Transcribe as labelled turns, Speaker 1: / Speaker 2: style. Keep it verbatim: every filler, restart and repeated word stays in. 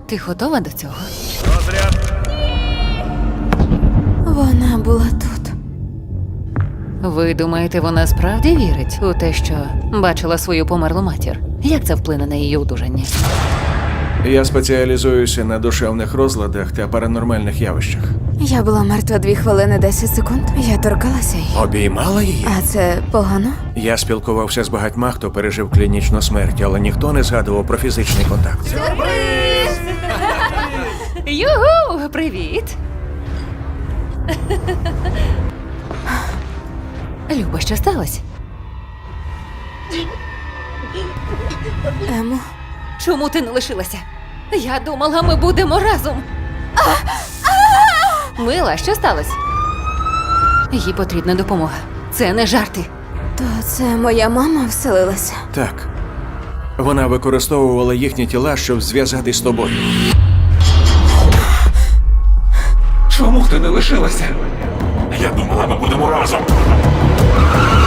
Speaker 1: Ти готова до цього?
Speaker 2: Розряд.
Speaker 3: Вона була тут.
Speaker 1: Ви думаєте, вона справді вірить у те, що бачила свою померлу матір? Як це вплине на її одужання?
Speaker 2: Я спеціалізуюся на душевних розладах та паранормальних явищах.
Speaker 3: Я була мертва дві хвилини десять секунд. Я торкалася її.
Speaker 2: Обіймала її?
Speaker 3: А це погано?
Speaker 2: Я спілкувався з багатьма, хто пережив клінічну смерть, але ніхто не згадував про фізичний контакт.
Speaker 1: Югу! Привіт! Люба, що сталося?
Speaker 3: Емо,
Speaker 1: Чому ти не лишилася? Я думала, ми будемо разом. Мила, що сталося? Їй потрібна допомога. Це не жарти.
Speaker 3: то це моя мама вселилася.
Speaker 2: Так. Вона використовувала їхні тіла, щоб зв'язатись з тобою.
Speaker 4: Чому ти не лишилася? Я думала, ми будемо разом.